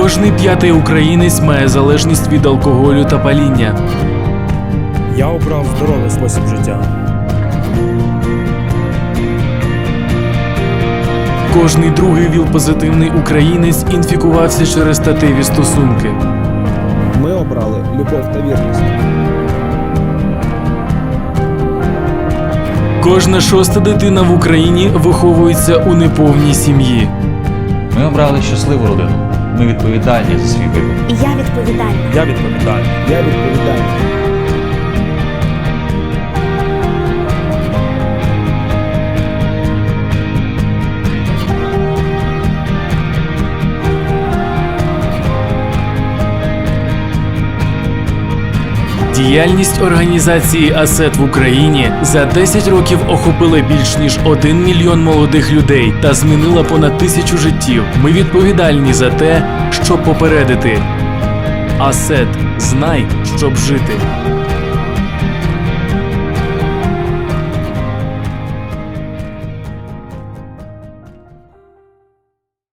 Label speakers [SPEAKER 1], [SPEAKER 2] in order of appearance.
[SPEAKER 1] Кожний п'ятий українець має залежність від алкоголю та паління.
[SPEAKER 2] Я обрав здоровий спосіб життя.
[SPEAKER 1] Кожний другий ВІЛ-позитивний українець інфікувався через статеві стосунки.
[SPEAKER 3] Ми обрали любов та вірність.
[SPEAKER 1] Кожна шоста дитина в Україні виховується у неповній сім'ї.
[SPEAKER 4] Ми обрали щасливу родину. Ми відповідальні за свій вибір.
[SPEAKER 5] І я відповідальна.
[SPEAKER 2] Я відповідальний.
[SPEAKER 3] Я відповідальний.
[SPEAKER 1] Діяльність організації АСЕТ в Україні за 10 років охопила більш ніж 1 мільйон молодих людей та змінила понад 1000 життів. Ми відповідальні за те, щоб попередити. АСЕТ. Знай, щоб жити.